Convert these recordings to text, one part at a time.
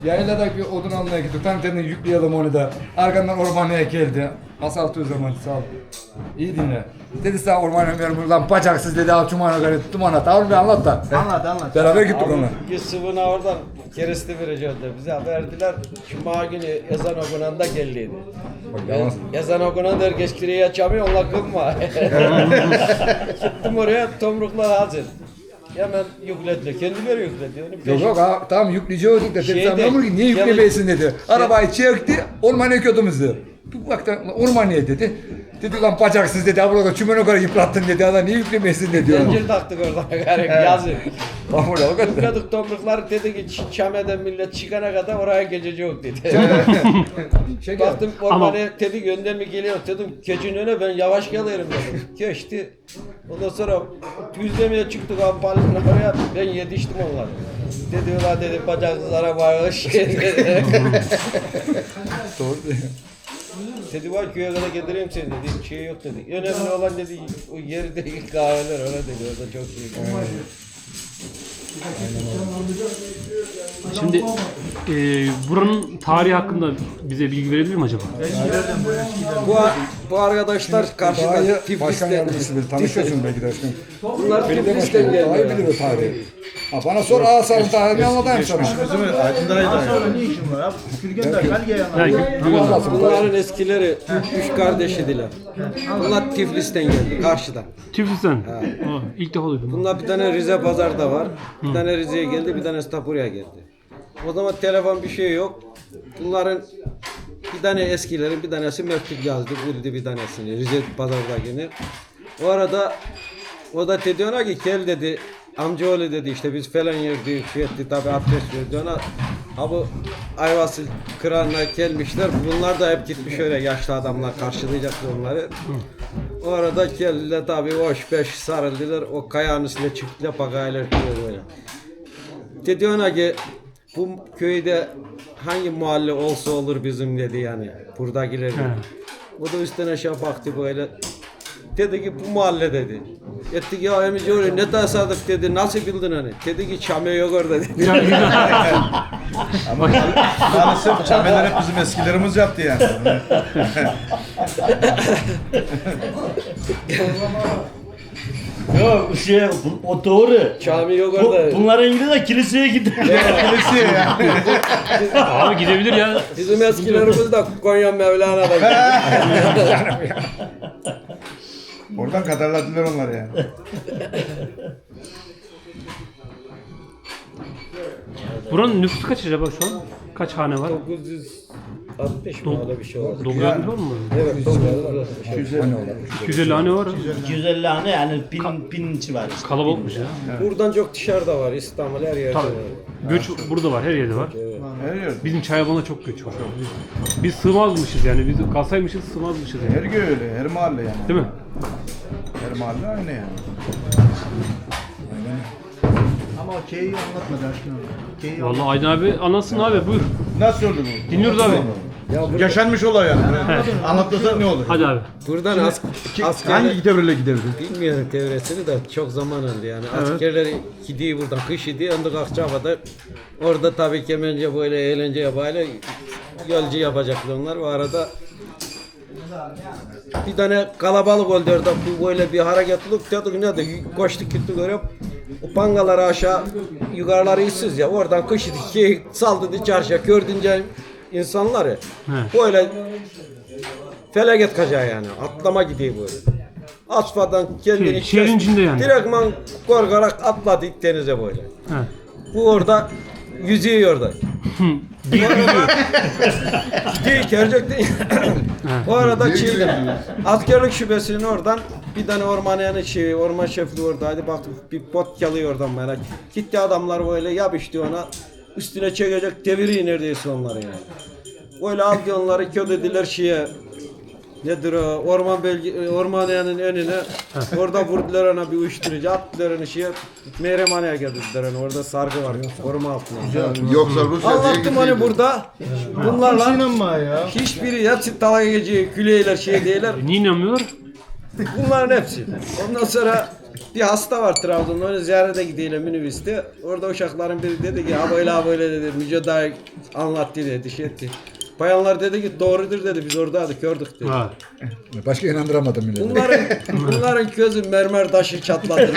Yaylada bir odun almaya gittik. Tam dedim yükleyelim onu da. Arkamdan ormanlığa geldi. Asfaltı zaman sağ ol. İyi dinle. Dedi sağ ormanlığa ver lan bacaksız dedi al çumana göre duman at. Abi anlat da. Anlat. Beraber gittik onunla. Yusuf'una oradan kereste vereceğiz de bize verdiler. Cuma günü ezan okunanda geldiydi. Ezan okunanda herkes kireyi açamıyor, onunla kılma. Gittim oraya, tomruklar hazır. Hemen yüklediler, kendileri yükledi. Yok ha, tamam yükleyeceğiz de dedi sen niye yüklemeyesin dedi. Arabayı çekti ormanlığa kötümüzdü. Bir baktı ormanlığa dedi. Dedi lan bacaksız dedi. Burada çümene kadar yıprattın dedi. Adam niye yüklemeyesin dedi. Zincir taktık oradan garip yazın. Tamam o kadar. Yıkladık tomrukları, dedi ki Çame'den millet çıkana kadar oraya gececi yok dedi. Baktım ormanlığa dedi gönder mi geliyor dedim keçinin önüne ben yavaş gelirim dedim. Geçti. Ondan sonra yüzlemeye çıktık Ampal'ın oraya ben yetiştim onları. Dedi ulan dedi bacaksız arabaya hoş dedi. Doğru diyor. Dedi var köye kadar getireyim seni dedi. Bir şey yok dedi. Önemli olan dedi o yerdeki kahveler öyle dedi. Orada çok iyi. Şimdi buranın tarihi hakkında bize bilgi verebilir mi acaba? Bu arkadaşlar karşıda Başkan Tiflis'ten. yardımcısı bilir. Tanışıyorsun belki de aşkım. Bunlar Belediye Tiflis'ten başkanı daha iyi geldi. bilir o tarihi. Ha, bana sor Ağasar'ın tarihini anlatayım sana. Sonra ne işin var abi? Gürgen'de belge Bu anlatsın. Bunların eskileri üç kardeşidiler. Bunlar Tiflis'ten geldi karşıdan. Tiflis'ten. İlk defa duydum. Bunlar bir tane Rize Pazar'da var. Bir tane Rize'ye geldi, bir tane Tapura'ya geldi. O zaman telefon bir şey yok. Bunların bir tane eskilerin bir tanesi mektup yazdı, buldu bir tanesini. Rize Pazar'da gelir. O arada o da dedi ona ki gel dedi. Amcaoğlu dedi işte biz falan yerdik, şey etti tabi abdest verdi ona. Ha bu Ayvasıl Kıran'la gelmişler. Bunlar da hep gitmiş öyle yaşlı adamlar karşılayacaktı onları. O arada geldiler tabi hoş beş sarıldılar. O kayanın üstüne çıktılar pakaylar böyle. Dedi ona ki bu köyde hangi mahalle olsa olur bizim dedi yani. Buradakiler dedi. O da üstten aşağı baktı böyle. Dedi ki bu mahalle dedi. Ettik ya emici öyle ne tesadüf dedi. Nasıl bildin hani? Dedi ki Çame yok orada dedi. Maalesef çameler hep bizim eskilerimiz yaptı yani. Yok o doğru. Çame yok orada. Bunların ilgili de kiliseye gidiyor. Kilise yani. Abi gidebilir ya. Bizim eskilerimiz de Konya Mevlana'da. Oradan kadarladılar onları yani. Buranın nüfusu kaç acaba şu an? Kaç hane var? 960 mı öyle bir şey oldu. 960 var mı? Evet 960. 250 hane var. 250 hane yani bin civarı işte. Kalabalıkmış ya. Buradan çok dışarıda var. İstanbul her yerde var. Tabii. Göç burada var, her yerde var. Her yer. Bizim Çayaban'a çok göç var. Biz sığmazmışız yani. Biz kalsaymışız sığmazmışız yani. Her köy öyle, her mahalle yani. Değil mi? Her mahalle aynı yani. Ama o K'yi anlatmadı aşkına. K'yi Vallahi Aydın abi anlatsın abi buyur. Nasıl oldu bu? Dinliyoruz abi. Yaşanmış olay yani. Anlatmasak ne olur? Hadi abi. Buradan asker Hangi devreyle gideriz? bilmiyorum devresini de çok zaman oldu yani. Askerler gidiyor buradan kış gidiyor. Ondan Akçabat'a orada tabii kemence böyle eğlence yapayla yolcu yapacaklar onlar. O arada bir tane kalabalık oldu orada bu böyle bir hareketlilik dedik ne de koştuk gittik oraya. O pangaları aşağı yukarıları işsiz ya oradan kış ki saldı çarşıya gördünce insanları böyle felaket kaçağı yani atlama gidiyor böyle. Asfadan kendini şehrin içinde yani. direktman korkarak atladı denize böyle. He. Bu orada yüzüyor orada. Gidiyor gerçekten. Bu arada askerlik şubesinin oradan bir tane orman şefliği oradaydı. Baktık bir bot çalıyor oradan bana. Gitti adamlar böyle yapıştı ona. Üstüne çekecek deviriyor neredeyse onları yani. Böyle aldı onları kötüdüler nedir o ormanyanın önüne orada vurdular ona bir uyuşturucu attılar onu Mehreman'a geldiler onu orada sargı var koruma altında. Yoksa Rusya Anlattım onu burada. Bunlarla inanma ya. hiçbiri hepsi dalga geçiyor, güleyler değiller. Niye inanmıyor? Bunların hepsi. Ondan sonra bir hasta var Trabzon'da, onu ziyarete gidelim minibüste. Orada uşakların biri dedi ki ha böyle dedi, Müce dayı anlattı dedi, şey etti. Bayanlar dedi ki doğrudur dedi, biz oradaydık gördük dedi. Ha. Başka inandıramadım milleti. Bunların gözü mermer taşı çatladı.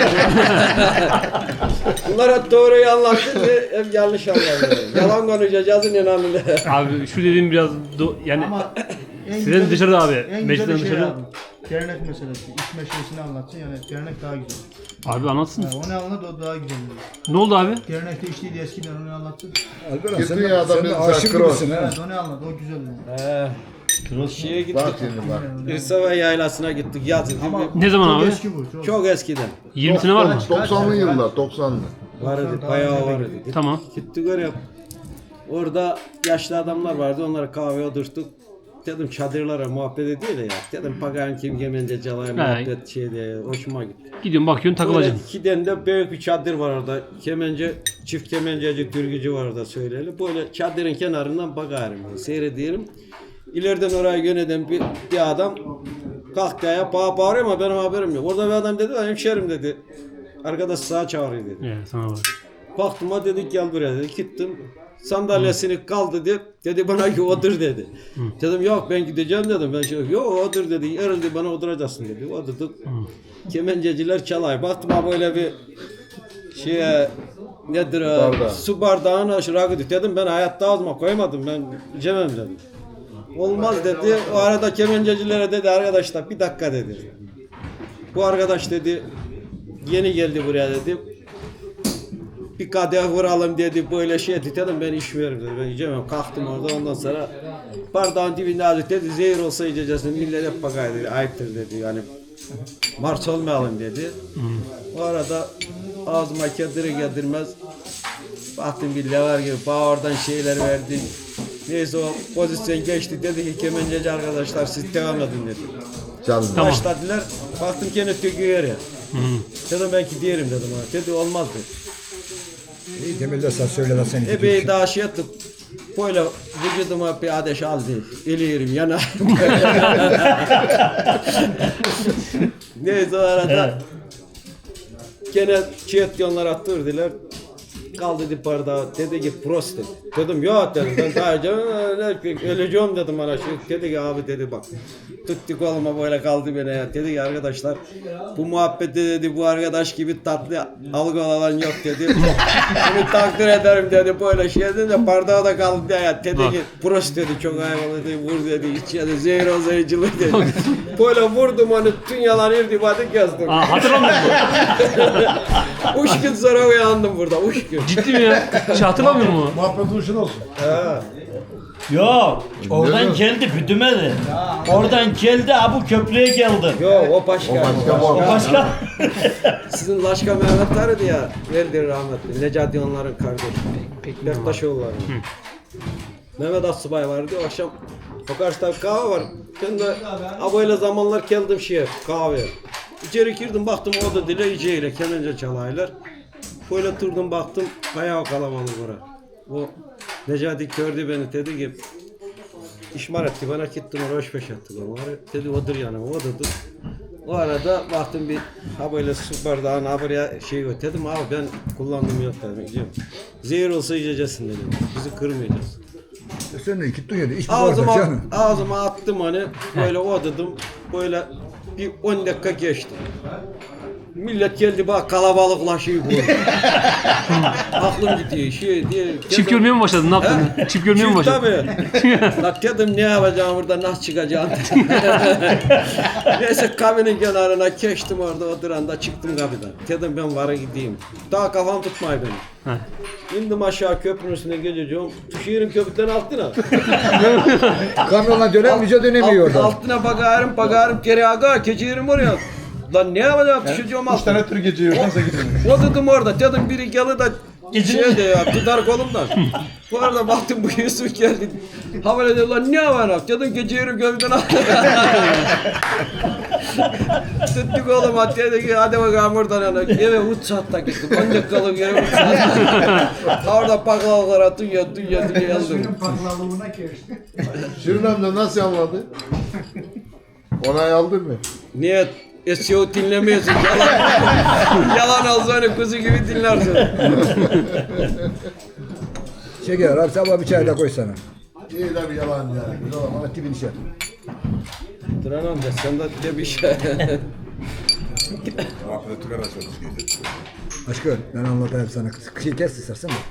Bunlar hep doğruyu anlattı ve hep yanlış anladı. Yalan konuşacağız inanın. Abi şu dediğim biraz yani Ama en sizin güzel- dışarıda abi. En güzel Meclisten şey dışarı. abi. Dernek meselesi. İş meselesini anlatsın yani dernek daha güzel. Abi anlatsın. Yani onu anlat o daha güzel. Ne oldu abi? Dernekte işliydi eskiden onu anlattın. Alperen Gitti sen ya de, adam sen de dedi, aşık sakın ol. gibisin ha. Evet onu anlat o güzel yani. Şeye gittik. Bak şimdi bak. İrsava yaylasına gittik yazın. Ne zaman Çok abi? eski bu. Çok. Çok eskiden. 20 sene var mı? 90'lı yıllar 90'lı. Vardı, bayağı vardı. Tamam. Gittik oraya. Orada yaşlı adamlar vardı, onlara kahve oturttuk. Dedim çadırlara muhabbet ediyor ya. Dedim pagan kim gemence calaya muhabbet şeyde hoşuma gitti. Gidiyorsun bakıyorsun Böyle takılacaksın. iki tane de büyük bir çadır var orada. Kemence, çift kemenceci, türkücü var orada söyleyeli. Böyle çadırın kenarından bakarım, seyrediyorum. İleriden oraya yöneden bir adam kalktı ayağa bağırıyor ama benim haberim yok. Orada bir adam dedi, hemşerim dedi. Arkadaş sağa çağırıyor dedi. Evet sana var. Baktım ha dedik gel buraya dedi. Gittim. Sandalyesini kaldı dedi bana ki otur dedi. Dedim yok ben gideceğim dedim. Ben şey yok otur dedi. Herhalde bana oturacaksın dedi. Oturduk. Kemenceciler çalay. Baktım ha böyle bir nedir o? Bardağı. Su bardağına rakı dedim ben hayatta ağzıma koymadım ben içemem dedim. Olmaz dedi. O arada kemencecilere dedi arkadaşlar bir dakika dedi. Bu arkadaş dedi yeni geldi buraya dedi. Bir kadeh vuralım dedi böyle şey etti dedim ben içmiyorum dedi ben içemem kalktım orada ondan sonra bardağın dibinde azıcık dedi zehir olsa içeceksin millet hep bakar dedi ayıptır dedi yani marş olmayalım dedi. O arada ağzıma getirmez baktım bir lever gibi bağırdan şeyler verdi. Neyse o pozisyon geçti dedi ki kemenceci arkadaşlar siz devam edin dedi. Canlı. Tamam. Başladılar baktım gene töküyor ya. Dedim belki diyelim dedim ona dedi olmaz dedi. İyi demirler sen söyle lan sen. Epey daha şey ettim. Böyle vücuduma bir ateş aldı. Eliyorum yanarım. Neyse o arada gene çiğetyonlar attırdılar. Kaldı dedi bardağı. Dedi ki prost dedi. Dedim yok dedim. Ben daha önce öleceğim dedim bana. Dedi ki abi dedi bak. Tuttuk olma böyle kaldı bana ya. Dedi ki arkadaşlar bu muhabbette dedi bu arkadaş gibi tatlı algı olan yok dedi. Bunu takdir ederim dedi. Böyle şey dedi de bardağı da kaldı ya. Dedi ki prost dedi çok hayvalı dedi. Vur dedi. İçeri zehir olsayıcılık dedi. Böyle vurdum onu dünyalar irtibatı kestim. Aa, hatırlamıyor musun? 3 gün sonra uyandım burada. 3 gün. Ciddi mi ya? Hiç hatırlamıyor musun? Muhabbet hoşun olsun. Yok. Oradan geldi büdümedi. Oradan geldi ha bu köprüye geldi. Yo o başka. Başka bu. O başka. Sizin Laşka Mehmet vardı ya. Verdi rahmetli. Necati onların kardeşi. Bektaşoğulları. Mehmet Assubay vardı. O akşam o karşıda bir kahve var. Ben de böyle zamanlar geldim kahve. İçeri girdim baktım o da dile iyice kemence çalaylar. Böyle durdum baktım bayağı kalabalık orada. O Necati gördü beni dedi ki işmar etti bana gittim oraya hoş beş ettik onları. Dedi odur yani o odur. O arada baktım bir böyle su bardağına buraya dedim abi ben kullandım yok dedim. Gidiyorum. Zehir olsa içeceksin dedim. Bizi kırmayacağız. Sen de gittin ya. İç bu bardak canım. Ağzıma attım hani böyle odadım böyle bir 10 dakika geçti. Millet geldi bak kalabalıklaşıyor bu. Aklım gidiyor diye. Çift görmeye mi başladın? Ne yaptın? Çift görmeye mi başladın? Tabii. Bak dedim ne yapacağım burada nasıl çıkacağım. Neyse kabinin kenarına geçtim orada oturanda çıktım kapıdan. Dedim ben vara gideyim. Daha kafam tutmayı beni. İndim aşağı köprünün üstüne geleceğim. Şehrin köprüden altına. Kamyonla dönem müce dönemiyor orada. Altına bakarım geri aga geçirim oraya. Lan ne yapacağım düşeceğim 3 altına. tane tür geçiyor. Nasıl gidiyor? Oturdum orada dedim biri geldi de de ya tutar kolumdan. Bu arada baktım bu Yusuf geldi. Havale dedi lan ne var dedim geçiyorum köprüden altına. Tuttuk oğlum at dedi ki hadi bakalım oradan yana. Eve 3 saatte gittim. 10 dakikalık eve 3 saatte. Orada baklavalara dünya yazdım. Paklalığına geçti. Şirin amca nasıl anladı? Onay aldın mı? Niye? SEO dinlemiyorsun. Yalan ağzını kuzu gibi dinlersin. Şeker abi sabah bir çay da koy sana. İyi de bir yalan ya. Güzel ama tipini şey. Duran amca sen de bir şey. Aşkım ben anlatayım sana. Şey kes istersen.